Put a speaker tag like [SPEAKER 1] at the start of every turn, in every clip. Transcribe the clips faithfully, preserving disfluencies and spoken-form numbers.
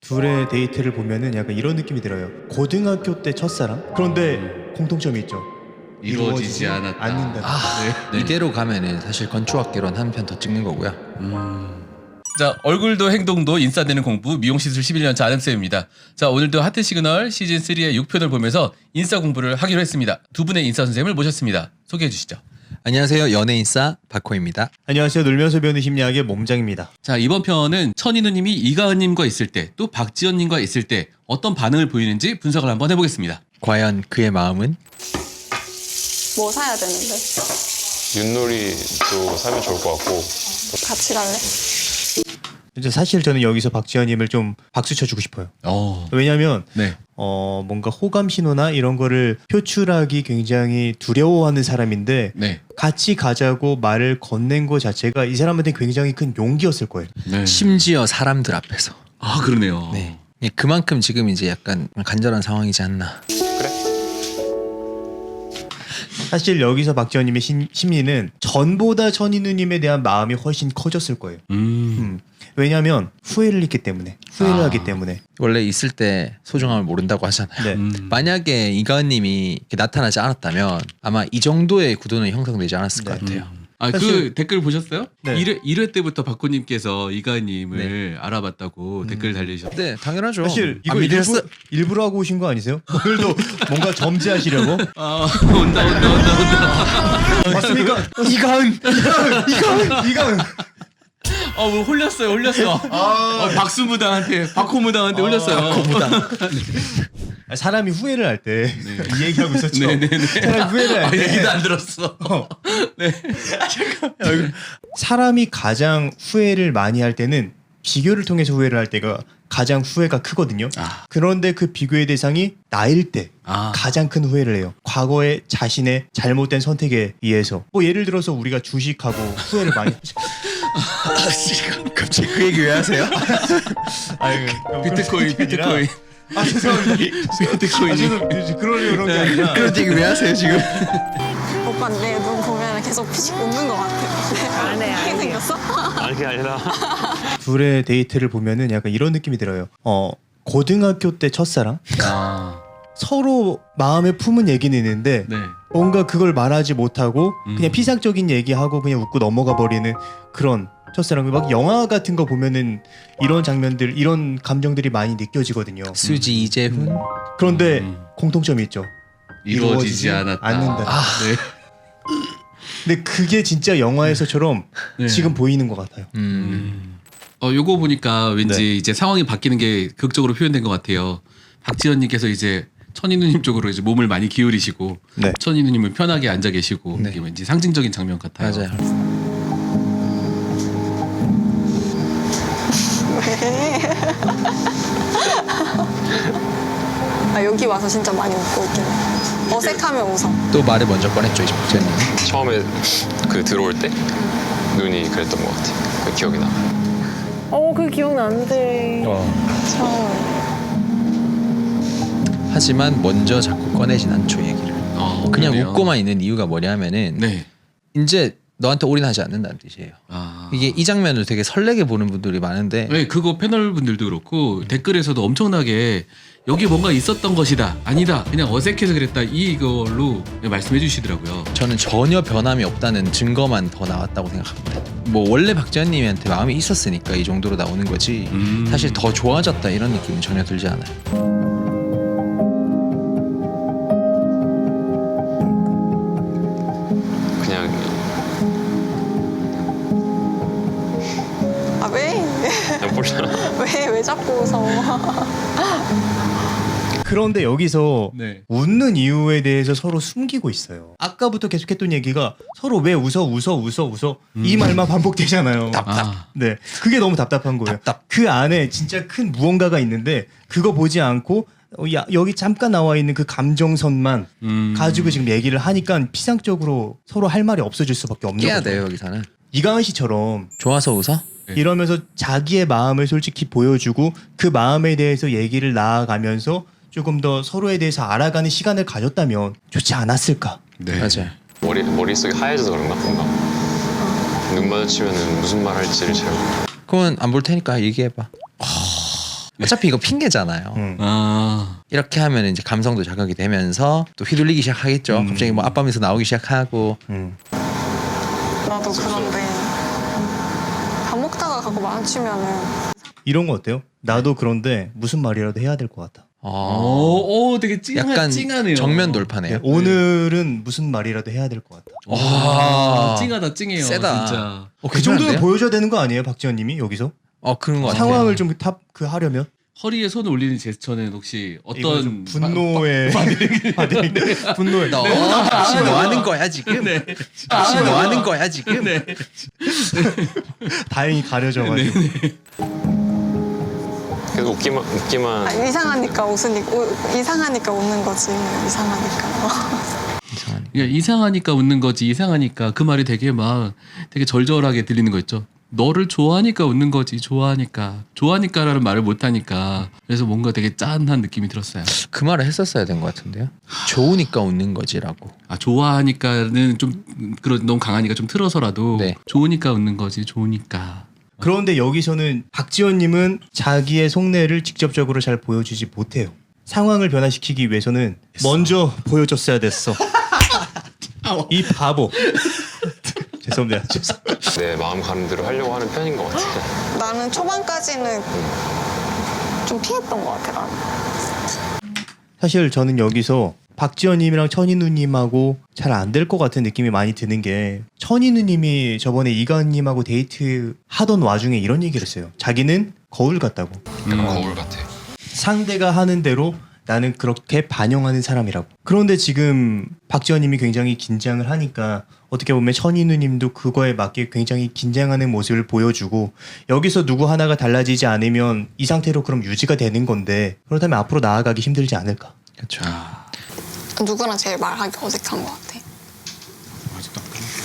[SPEAKER 1] 둘의 데이트를 보면은 약간 이런 느낌이 들어요. 고등학교 때 첫사랑? 그런데 공통점이 있죠.
[SPEAKER 2] 이루어지지 않았다.
[SPEAKER 1] 않는다.
[SPEAKER 3] 아,
[SPEAKER 2] 네.
[SPEAKER 3] 이대로 가면은 사실 건축학개론 한 편 더 찍는 거고요.
[SPEAKER 2] 자, 얼굴도 행동도 인싸되는 공부 미용시술 십일 년 차 아름쌤입니다. 자, 오늘도 하트 시그널 시즌 삼의 육 편을 보면서 인싸 공부를 하기로 했습니다. 두 분의 인싸 선생님을 모셨습니다. 소개해 주시죠.
[SPEAKER 3] 안녕하세요, 연예인싸 박호입니다.
[SPEAKER 1] 안녕하세요. 놀면서 배우는 심리학의 몸장입니다.
[SPEAKER 2] 자, 이번 편은 천희 누님이 이가은님과 있을 때 또 박지연님과 있을 때 어떤 반응을 보이는지 분석을 한번 해보겠습니다.
[SPEAKER 3] 과연 그의 마음은?
[SPEAKER 4] 뭐 사야 되는데?
[SPEAKER 5] 윷놀이도 사면 좋을 것 같고.
[SPEAKER 4] 같이 갈래?
[SPEAKER 1] 이제 사실 저는 여기서 박지현님을 좀 박수 쳐주고 싶어요.
[SPEAKER 2] 어,
[SPEAKER 1] 왜냐하면
[SPEAKER 2] 네.
[SPEAKER 1] 어 뭔가 호감 신호나 이런 거를 표출하기 굉장히 두려워하는 사람인데
[SPEAKER 2] 네.
[SPEAKER 1] 같이 가자고 말을 건넨 거 자체가 이 사람한테 굉장히 큰 용기였을 거예요.
[SPEAKER 2] 네.
[SPEAKER 3] 심지어 사람들 앞에서.
[SPEAKER 2] 아, 그러네요.
[SPEAKER 3] 네. 예, 그만큼 지금 이제 약간 간절한 상황이지 않나.
[SPEAKER 1] 사실 여기서 박지현님의 심, 심리는 전보다 천희 누님에 대한 마음이 훨씬 커졌을 거예요.
[SPEAKER 2] 음.
[SPEAKER 1] 음. 왜냐하면 후회를 했기 때문에 후회를
[SPEAKER 2] 아.
[SPEAKER 1] 하기 때문에.
[SPEAKER 3] 원래 있을 때 소중함을 모른다고 하잖아요.
[SPEAKER 1] 네.
[SPEAKER 2] 음.
[SPEAKER 3] 만약에 이가은님이 이렇게 나타나지 않았다면 아마 이 정도의 구도는 형성되지 않았을 것
[SPEAKER 1] 네.
[SPEAKER 3] 같아요.
[SPEAKER 2] 아, 그
[SPEAKER 1] 사실-
[SPEAKER 2] 댓글 보셨어요?
[SPEAKER 1] 네.
[SPEAKER 2] 일 회, 일 회 때부터 박호님께서 이가은님을 알아봤다고 댓글 달리셨어요.
[SPEAKER 3] 네, 당연하죠.
[SPEAKER 1] 사실 이거
[SPEAKER 3] 안 믿으셨어?
[SPEAKER 1] 일부, 일부러 하고 오신 거 아니세요? 오늘도 뭔가 점지하시려고?
[SPEAKER 2] 아, 온다, 온다, 온다, 온다.
[SPEAKER 1] 맞습니까? 이가은! 이가은! 이가은! 이가은!
[SPEAKER 2] 어, 뭐 홀렸어요, 홀렸어. 어, 박수무당한테, 박호무당한테 홀렸어요.
[SPEAKER 1] 아, 사람이 후회를 할 때 이 얘기하고 있었죠.
[SPEAKER 2] 네네네.
[SPEAKER 1] 사람이 후회를
[SPEAKER 2] 아,
[SPEAKER 1] 할 때
[SPEAKER 2] 얘기도 안 들었어. 네.
[SPEAKER 1] 사람이 가장 후회를 많이 할 때는 비교를 통해서 후회를 할 때가 가장 후회가 크거든요.
[SPEAKER 2] 아.
[SPEAKER 1] 그런데 그 비교의 대상이 나일 때
[SPEAKER 2] 아.
[SPEAKER 1] 가장 큰 후회를 해요. 과거의 자신의 잘못된 선택에 의해서. 뭐 예를 들어서 우리가 주식하고 후회를 많이 하죠.
[SPEAKER 3] 갑자기 그 얘기 왜 하세요?
[SPEAKER 1] 아유,
[SPEAKER 2] 비트코인, 비트코인.
[SPEAKER 1] 아 죄송합니다.
[SPEAKER 2] 비트코인이.
[SPEAKER 1] 아, 죄송, 그러려고 그런 게 아니라.
[SPEAKER 3] 그런 얘기 왜 하세요 지금?
[SPEAKER 4] 오빠 내 눈 보면 계속 피식 웃는 것 같아. 안 해, 안 해. 생겼어?
[SPEAKER 5] 아니, 그게 아니라.
[SPEAKER 1] 둘의 데이트를 보면은 약간 이런 느낌이 들어요. 어 고등학교 때 첫사랑?
[SPEAKER 2] 아.
[SPEAKER 1] 서로 마음에 품은 얘기는 있는데
[SPEAKER 2] 네.
[SPEAKER 1] 뭔가 그걸 말하지 못하고
[SPEAKER 2] 음.
[SPEAKER 1] 그냥 피상적인 얘기하고 그냥 웃고 넘어가 버리는 그런 첫사랑. 막 영화 같은 거 보면은 이런 장면들, 이런 감정들이 많이 느껴지거든요.
[SPEAKER 3] 수지 이재훈.
[SPEAKER 1] 그런데
[SPEAKER 2] 음.
[SPEAKER 1] 공통점이 있죠.
[SPEAKER 2] 이루어지지 않았다.
[SPEAKER 1] 않는다.
[SPEAKER 2] 아, 네.
[SPEAKER 1] 근데 그게 진짜 영화에서처럼
[SPEAKER 2] 네.
[SPEAKER 1] 지금 보이는 것 같아요.
[SPEAKER 3] 음.
[SPEAKER 2] 음. 어, 요거 보니까 왠지
[SPEAKER 1] 네.
[SPEAKER 2] 이제 상황이 바뀌는 게 극적으로 표현된 것 같아요. 박지현님께서 이제 천희 누님 쪽으로 이제 몸을 많이 기울이시고
[SPEAKER 1] 네.
[SPEAKER 2] 천희 누님은 편하게 앉아 계시고
[SPEAKER 3] 네.
[SPEAKER 2] 이게 왠지 상징적인 장면 같아요.
[SPEAKER 3] 맞아요.
[SPEAKER 4] 아, 여기 와서 진짜 많이 웃고 있긴 해. 어색하면 웃어.
[SPEAKER 3] 또 말을 먼저 꺼냈죠 이제 박재현님.
[SPEAKER 5] 처음에 그 들어올 때 눈이 그랬던 것 같아. 그 기억이 나.
[SPEAKER 4] 어, 그 기억나는데. 처음에.
[SPEAKER 3] 하지만 먼저 자꾸 꺼내진 않죠 얘기를.
[SPEAKER 2] 어,
[SPEAKER 3] 그냥
[SPEAKER 2] 그러네요.
[SPEAKER 3] 웃고만 있는 이유가 뭐냐면은
[SPEAKER 2] 네.
[SPEAKER 3] 이제 너한테 올인하지 않는다는 뜻이에요.
[SPEAKER 2] 아.
[SPEAKER 3] 이게 이 장면을 되게 설레게 보는 분들이 많은데
[SPEAKER 2] 네, 그거 패널 분들도 그렇고 댓글에서도 엄청나게 여기 뭔가 있었던 것이다. 아니다. 그냥 어색해서 그랬다. 이걸로 말씀해 주시더라고요.
[SPEAKER 3] 저는 전혀 변함이 없다는 증거만 더 나왔다고 생각합니다. 뭐 원래 박재현님한테 마음이 있었으니까 이 정도로 나오는 거지
[SPEAKER 2] 음.
[SPEAKER 3] 사실 더 좋아졌다 이런 느낌은 전혀 들지 않아요.
[SPEAKER 5] 그냥
[SPEAKER 4] 아, 왜?
[SPEAKER 5] 그냥 몰라.
[SPEAKER 4] 왜, 왜 자꾸 웃어?
[SPEAKER 1] 그런데 여기서
[SPEAKER 2] 네.
[SPEAKER 1] 웃는 이유에 대해서 서로 숨기고 있어요. 아까부터 계속했던 얘기가 서로 왜 웃어 웃어 웃어 웃어 이 말만 반복되잖아요.
[SPEAKER 2] 아.
[SPEAKER 1] 네, 그게 너무 답답한 거예요.
[SPEAKER 3] 답답.
[SPEAKER 1] 그 안에 진짜 큰 무언가가 있는데 그거 보지 않고 어, 야, 여기 잠깐 나와 있는 그 감정선만
[SPEAKER 2] 음.
[SPEAKER 1] 가지고 지금 얘기를 하니까 피상적으로 서로 할 말이 없어질 수밖에 없는
[SPEAKER 3] 깨야
[SPEAKER 1] 거죠.
[SPEAKER 3] 돼요 여기서는.
[SPEAKER 1] 이가은 씨처럼
[SPEAKER 3] 좋아서 웃어?
[SPEAKER 2] 네.
[SPEAKER 1] 이러면서 자기의 마음을 솔직히 보여주고 그 마음에 대해서 얘기를 나아가면서 조금 더 서로에 대해서 알아가는 시간을 가졌다면 좋지 않았을까?
[SPEAKER 2] 네.
[SPEAKER 3] 맞아요.
[SPEAKER 5] 머리, 머릿속이 하얘져서 그런가? 뭔가. 눈 마주치면 무슨 말 할지를 잘.
[SPEAKER 3] 그러면 안 볼 테니까 얘기해봐. 어차피 이거 핑계잖아요.
[SPEAKER 1] 음.
[SPEAKER 2] 아,
[SPEAKER 3] 이렇게 하면 이제 감성도 자극이 되면서 또 휘둘리기 시작하겠죠.
[SPEAKER 1] 음.
[SPEAKER 3] 갑자기 뭐 아빠 하면서 나오기 시작하고.
[SPEAKER 1] 음.
[SPEAKER 4] 나도 그런데 밥 먹다가 가고 마주치면은
[SPEAKER 1] 이런 거 어때요? 나도 그런데 무슨 말이라도 해야 될 것 같아.
[SPEAKER 3] 어,
[SPEAKER 2] 오, 오 되게 찡하,
[SPEAKER 3] 약간
[SPEAKER 2] 찡하네요.
[SPEAKER 3] 정면 돌파네요.
[SPEAKER 1] 오늘은 무슨 말이라도 해야 될 것 같다.
[SPEAKER 2] 와, 찡하다, 찡해요.
[SPEAKER 3] 세다.
[SPEAKER 2] 진짜.
[SPEAKER 3] 어,
[SPEAKER 1] 그 정도는
[SPEAKER 3] 괜찮은데요?
[SPEAKER 1] 보여줘야 되는 거 아니에요, 박지현님이 여기서?
[SPEAKER 3] 어 그런 거 같아요.
[SPEAKER 1] 상황을 좀 탑 그 하려면
[SPEAKER 2] 허리에 손을 올리는 제스처는 혹시
[SPEAKER 1] 이거
[SPEAKER 2] 어떤
[SPEAKER 1] 좀 분노의 받으는 분노의
[SPEAKER 3] 너 혹시 뭐 하는 거야 지금?
[SPEAKER 2] 네.
[SPEAKER 3] 혹시 뭐 하는 거야 지금?
[SPEAKER 2] 네.
[SPEAKER 1] 다행히 가려져가지고
[SPEAKER 5] 계속 웃기만 웃기만
[SPEAKER 4] 아, 이상하니까 웃으니까 우- 이상하니까 웃는 거지. 이상하니까.
[SPEAKER 3] 이상하네.
[SPEAKER 2] 그러니까 이상하니까 웃는 거지. 이상하니까 그 말이 되게 막 되게 절절하게 들리는 거 있죠. 너를 좋아하니까 웃는 거지. 좋아하니까. 좋아하니까라는 말을 못 하니까. 그래서 뭔가 되게 짠한 느낌이 들었어요.
[SPEAKER 3] 그 말을 했었어야 된 것 같은데요. 좋으니까 웃는 거지라고.
[SPEAKER 2] 아, 좋아하니까는 좀 그런 너무 강하니까 좀 틀어서라도
[SPEAKER 3] 네.
[SPEAKER 2] 좋으니까 웃는 거지. 좋으니까.
[SPEAKER 1] 그런데 여기서는 박지원님은 자기의 속내를 직접적으로 잘 보여주지 못해요. 상황을 변화시키기 위해서는 먼저 보여줬어야 됐어. 이 바보. 죄송합니다. 죄송.
[SPEAKER 5] 내 마음 가는 대로 하려고 하는 편인 것 같아.
[SPEAKER 4] 나는 초반까지는 좀 피했던 것 같아. 나는.
[SPEAKER 1] 사실 저는 여기서 박지원님이랑 천인우님하고 잘 안 될 것 같은 느낌이 많이 드는 게 천인우님이 저번에 이가은님하고 데이트 하던 와중에 이런 얘기를 했어요. 자기는 거울 같다고.
[SPEAKER 2] 음.
[SPEAKER 5] 거울 같아.
[SPEAKER 1] 상대가 하는 대로 나는 그렇게 반영하는 사람이라고. 그런데 지금 박지원님이 굉장히 긴장을 하니까 어떻게 보면 천인우님도 그거에 맞게 굉장히 긴장하는 모습을 보여주고 여기서 누구 하나가 달라지지 않으면 이 상태로 그럼 유지가 되는 건데 그렇다면 앞으로 나아가기 힘들지 않을까.
[SPEAKER 3] 그렇죠.
[SPEAKER 2] 아,
[SPEAKER 4] 누구랑 제일 말하기 어색한 것 같아.
[SPEAKER 2] 아직도 안 끝났어요.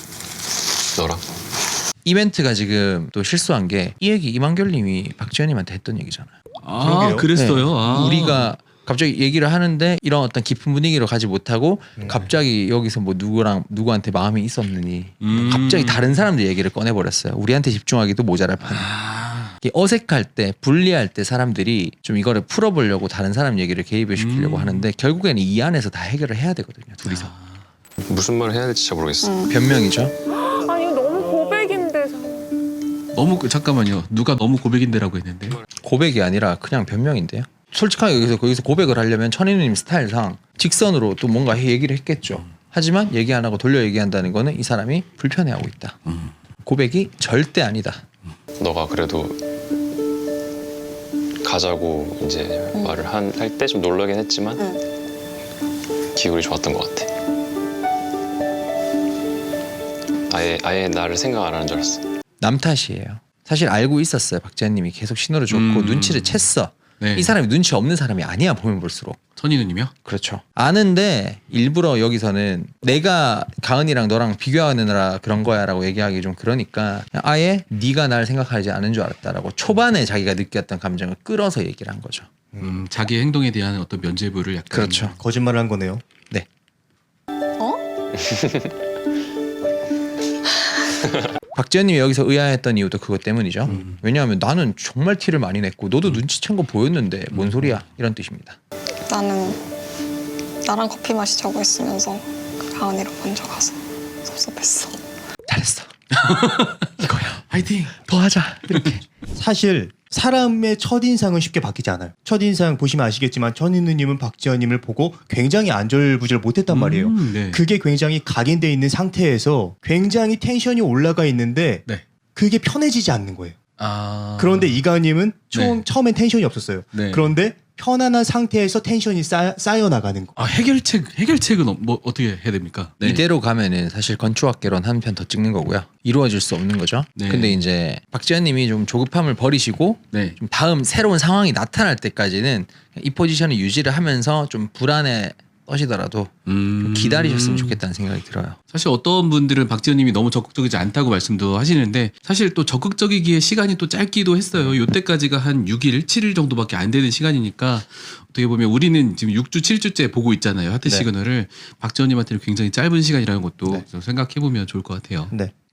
[SPEAKER 5] 너랑?
[SPEAKER 3] 이벤트가 지금 또 실수한 게 이 얘기 이만결님이 박지현님한테 했던 얘기잖아요.
[SPEAKER 2] 아,
[SPEAKER 1] 그러게요.
[SPEAKER 2] 그랬어요.
[SPEAKER 3] 네.
[SPEAKER 2] 아.
[SPEAKER 3] 우리가 갑자기 얘기를 하는데 이런 어떤 깊은 분위기로 가지 못하고
[SPEAKER 1] 음. 갑자기
[SPEAKER 3] 갑자기 여기서 뭐 누구랑 누구한테 마음이 있었느니
[SPEAKER 2] 음.
[SPEAKER 3] 갑자기 다른 사람들 얘기를 꺼내버렸어요. 우리한테 집중하기도 모자랄 판에.
[SPEAKER 2] 아.
[SPEAKER 3] 이게 어색할 때 불리할 때 사람들이 좀 이거를 풀어보려고 다른 사람 얘기를 개입을 시키려고
[SPEAKER 2] 음.
[SPEAKER 3] 하는데 결국에는 이 안에서 다 해결을 해야 되거든요. 둘이서.
[SPEAKER 5] 무슨 말을 해야 될지 잘 모르겠어.
[SPEAKER 4] 음.
[SPEAKER 3] 변명이죠.
[SPEAKER 6] 아니 이거 너무 고백인데.
[SPEAKER 2] 너무 그- 잠깐만요. 누가 너무 고백인데라고 했는데.
[SPEAKER 3] 고백이 아니라 그냥 변명인데요. 솔직하게 여기서 거기서 고백을 하려면 천인우님 스타일상 직선으로 또 뭔가 얘기를 했겠죠. 하지만 얘기 안 하고 돌려 얘기한다는 거는 이 사람이 불편해하고 있다.
[SPEAKER 2] 음.
[SPEAKER 3] 고백이 절대 아니다.
[SPEAKER 5] 너가 그래도 가자고 이제
[SPEAKER 4] 음.
[SPEAKER 5] 말을 할 때 좀 놀라긴 했지만
[SPEAKER 4] 응.
[SPEAKER 5] 기분이 좋았던 것 같아. 아예 아예 나를 생각 안 하는 줄 알았어.
[SPEAKER 3] 남 탓이에요. 사실 알고 있었어요. 박지현님이 계속 신호를 줬고
[SPEAKER 2] 음.
[SPEAKER 3] 눈치를 챘어.
[SPEAKER 2] 네.
[SPEAKER 3] 이 사람이 눈치 없는 사람이 아니야 보면 볼수록.
[SPEAKER 2] 천인우님이요?
[SPEAKER 3] 그렇죠. 아는데 일부러 여기서는 내가 가은이랑 너랑 비교하느라 그런 거야라고 얘기하기 좀 그러니까 그냥 아예 네가 날 생각하지 않은 줄 알았다라고 초반에 자기가 느꼈던 감정을 끌어서 얘기를 한 거죠.
[SPEAKER 2] 음, 자기 행동에 대한 어떤 면죄부를 약간.
[SPEAKER 3] 그렇죠.
[SPEAKER 1] 거짓말을 한 거네요.
[SPEAKER 3] 네.
[SPEAKER 4] 어?
[SPEAKER 3] 박지현님이 여기서 의아했던 이유도 그것 때문이죠.
[SPEAKER 2] 음.
[SPEAKER 3] 왜냐하면 나는 정말 티를 많이 냈고 너도 눈치챈 거 보였는데 뭔 소리야 이런 뜻입니다.
[SPEAKER 4] 나는 나랑 커피 마시자고 했으면서 가은이랑 먼저 가서 섭섭했어.
[SPEAKER 3] 잘했어. 이거야.
[SPEAKER 2] 화이팅.
[SPEAKER 3] 더 하자. 이렇게.
[SPEAKER 1] 사실 사람의 첫인상은 쉽게 바뀌지 않아요. 첫인상 보시면 아시겠지만 천인우님은 박지원님을 보고 굉장히 안절부절 못했단 말이에요.
[SPEAKER 2] 음, 네.
[SPEAKER 1] 그게 굉장히 각인돼 있는 상태에서 굉장히 텐션이 올라가 있는데
[SPEAKER 2] 네.
[SPEAKER 1] 그게 편해지지 않는 거예요.
[SPEAKER 2] 아.
[SPEAKER 1] 그런데 이가은님은 처음,
[SPEAKER 2] 네.
[SPEAKER 1] 처음엔 텐션이 없었어요.
[SPEAKER 2] 네.
[SPEAKER 1] 그런데 편안한 상태에서 텐션이 쌓, 쌓여 나가는 거.
[SPEAKER 2] 아, 해결책 해결책은 어- 뭐 어떻게 해야 됩니까? 네.
[SPEAKER 3] 이대로 가면은 사실 건축학개론 한 편 더 찍는 거고요. 이루어질 수 없는 거죠.
[SPEAKER 2] 네.
[SPEAKER 3] 근데 이제 박지현님이 좀 조급함을 버리시고
[SPEAKER 2] 네.
[SPEAKER 3] 좀 다음 새로운 상황이 나타날 때까지는 이 포지션을 유지를 하면서 좀 불안에 떠시더라도
[SPEAKER 2] 음.
[SPEAKER 3] 좀 기다리셨으면 좋겠다는 생각이 들어요.
[SPEAKER 2] 사실 어떤 분들은 박지현님이 너무 적극적이지 않다고 말씀도 하시는데 사실 또 적극적이기에 시간이 또 짧기도 했어요. 요때까지가 한 육 일, 칠 일 정도밖에 안 되는 시간이니까 어떻게 보면 우리는 지금 육 주, 칠 주째 보고 있잖아요. 하트
[SPEAKER 1] 네.
[SPEAKER 2] 시그널을 박지현님한테는 굉장히 짧은 시간이라는 것도
[SPEAKER 1] 네.
[SPEAKER 2] 생각해 보면 좋을 것 같아요.
[SPEAKER 1] 네.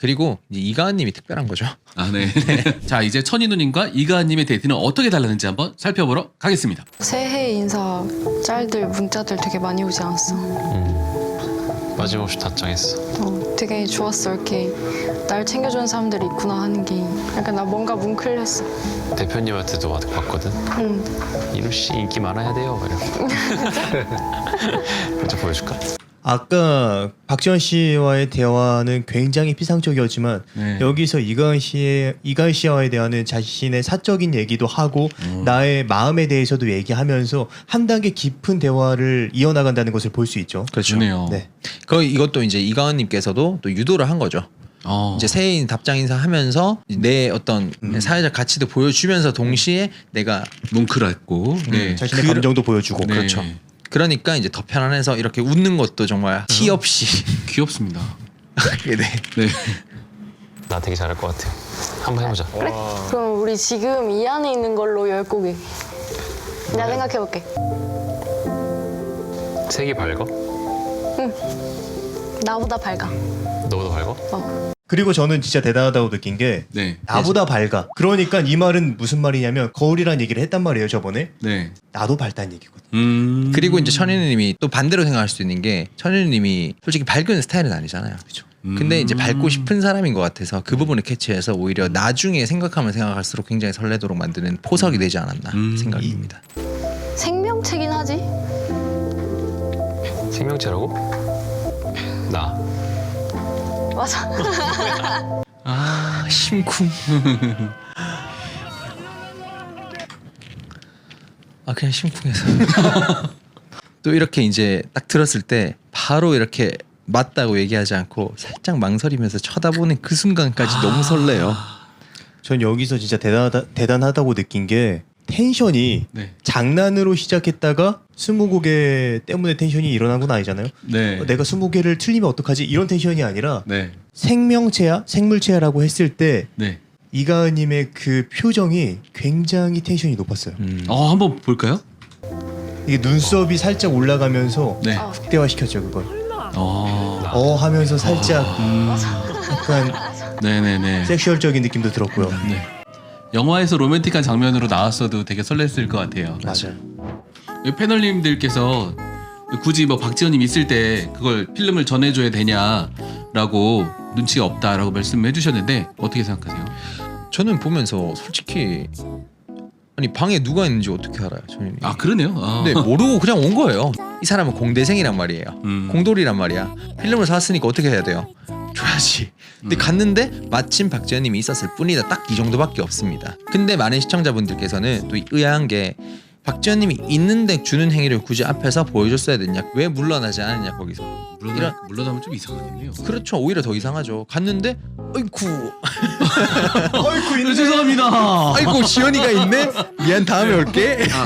[SPEAKER 3] 그리고 이제 이가은님이 특별한 거죠.
[SPEAKER 2] 아, 네. 자, 이제 천희 누님과 이가은님의 데이트는 어떻게 달랐는지 한번 살펴보러 가겠습니다.
[SPEAKER 7] 새해 인사 짤들 문자들 되게 많이 오지 않았어?
[SPEAKER 5] 음. 빠짐없이 답장했어.
[SPEAKER 7] 어, 되게 좋았어. 이렇게 날 챙겨주는 사람들이 있구나 하는 게 약간 나 뭔가 뭉클했어.
[SPEAKER 5] 대표님한테도 왔거든.
[SPEAKER 7] 응.
[SPEAKER 5] 이루 씨 인기 많아야 돼요. 이렇게. 먼저 보여줄까?
[SPEAKER 1] 아까 박지원 씨와의 대화는 굉장히 피상적이었지만
[SPEAKER 2] 네.
[SPEAKER 1] 여기서 이가은 씨의 이가은 씨와의 대화는 자신의 사적인 얘기도 하고 나의 마음에 대해서도 얘기하면서 한 단계 깊은 대화를 이어나간다는 것을 볼 수 있죠.
[SPEAKER 3] 그렇죠.
[SPEAKER 2] 좋네요.
[SPEAKER 1] 네.
[SPEAKER 3] 그 이것도 이제 이가은님께서도 또 유도를 한 거죠.
[SPEAKER 2] 어.
[SPEAKER 3] 이제 새해인 답장 인사하면서 내 어떤
[SPEAKER 1] 음.
[SPEAKER 3] 사회적 가치도 보여주면서 동시에 내가
[SPEAKER 2] 뭉클했고. 네.
[SPEAKER 1] 자신의
[SPEAKER 3] 그-
[SPEAKER 1] 감정도 보여주고.
[SPEAKER 2] 네.
[SPEAKER 3] 그렇죠. 그러니까 이제 더 편안해서 이렇게 웃는 것도 정말 티
[SPEAKER 1] 음.
[SPEAKER 3] 없이
[SPEAKER 2] 귀엽습니다.
[SPEAKER 3] 네.
[SPEAKER 2] 네.
[SPEAKER 5] 나 되게 잘할 것 같아. 한번 해보자.
[SPEAKER 7] 그럼 우리 지금 이 안에 있는 걸로 열 곡이. 내가 생각해볼게.
[SPEAKER 5] 색이 밝아?
[SPEAKER 7] 나보다 밝아.
[SPEAKER 5] 너보다 밝아?
[SPEAKER 1] 그리고 저는 진짜 대단하다고 느낀 게
[SPEAKER 2] 네.
[SPEAKER 1] 나보다 밝아. 그러니까 이 말은 무슨 말이냐면 거울이란 얘기를 했단 말이에요 저번에.
[SPEAKER 2] 네.
[SPEAKER 1] 나도 밝다는 얘기거든.
[SPEAKER 2] 음.
[SPEAKER 3] 그리고 이제 천현우님이 또 반대로 생각할 수도 있는 게 천현우님이 솔직히 밝은 스타일은 아니잖아요. 그렇죠. 근데 이제 밝고 싶은 사람인 것 같아서 그 부분을 캐치해서 오히려 나중에 생각하면 생각할수록 굉장히 설레도록 만드는 포석이 되지 않았나
[SPEAKER 2] 음.
[SPEAKER 3] 생각입니다.
[SPEAKER 7] 생명체긴 하지?
[SPEAKER 5] 생명체라고? 나.
[SPEAKER 7] 맞아.
[SPEAKER 3] 아 심쿵. 아 그냥 심쿵해서. 또 이렇게 이제 딱 들었을 때 바로 이렇게 맞다고 얘기하지 않고 살짝 망설이면서 쳐다보는 그 순간까지 너무 설레요.
[SPEAKER 1] 전 여기서 진짜 대단하다, 대단하다고 느낀 게 텐션이
[SPEAKER 2] 네.
[SPEAKER 1] 장난으로 시작했다가 스무고개 때문에 텐션이 일어난 건 아니잖아요.
[SPEAKER 2] 네.
[SPEAKER 1] 어, 내가 스무개를 틀리면 어떡하지? 이런 텐션이 아니라
[SPEAKER 2] 네.
[SPEAKER 1] 생명체야? 생물체야라고 했을 때
[SPEAKER 2] 네.
[SPEAKER 1] 이가은님의 그 표정이 굉장히 텐션이 높았어요.
[SPEAKER 3] 음.
[SPEAKER 2] 어, 한번 볼까요?
[SPEAKER 1] 이게 눈썹이 살짝 올라가면서
[SPEAKER 2] 네.
[SPEAKER 7] 어.
[SPEAKER 1] 극대화시켰죠 그걸.
[SPEAKER 2] 어.
[SPEAKER 1] 어 하면서 살짝
[SPEAKER 2] 음.
[SPEAKER 1] 약간
[SPEAKER 2] 네네네.
[SPEAKER 1] 섹슈얼적인 느낌도 들었고요.
[SPEAKER 2] 네. 영화에서 로맨틱한 장면으로 나왔어도 되게 설렜을 것 같아요.
[SPEAKER 1] 맞아요.
[SPEAKER 2] 이 패널님들께서 굳이 뭐 박지원님 있을 때 그걸 필름을 전해줘야 되냐라고 눈치가 없다라고 말씀해 주셨는데 어떻게 생각하세요?
[SPEAKER 3] 저는 보면서 솔직히 아니 방에 누가 있는지 어떻게 알아요, 저는.
[SPEAKER 2] 아 그러네요. 아.
[SPEAKER 3] 네 모르고 그냥 온 거예요. 이 사람은 공대생이란 말이에요.
[SPEAKER 2] 음.
[SPEAKER 3] 공돌이란 말이야. 필름을 사왔으니까 어떻게 해야 돼요? 줘야지. 근데
[SPEAKER 2] 음.
[SPEAKER 3] 갔는데 마침 박지현님이 있었을 뿐이다. 딱 이 정도밖에 없습니다. 근데 많은 시청자분들께서는 또 의아한 게 박지현님이 있는데 주는 행위를 굳이 앞에서 보여줬어야 됐냐? 왜 물러나지 않았냐 거기서?
[SPEAKER 2] 물러나,
[SPEAKER 3] 이런-
[SPEAKER 2] 물러나면 좀 이상하겠네요.
[SPEAKER 3] 그렇죠. 오히려 더 이상하죠. 갔는데 어이쿠
[SPEAKER 1] 어이구
[SPEAKER 2] 네, 죄송합니다.
[SPEAKER 3] 아이고 지연이가 있네. 미안 다음에 올게.
[SPEAKER 2] 아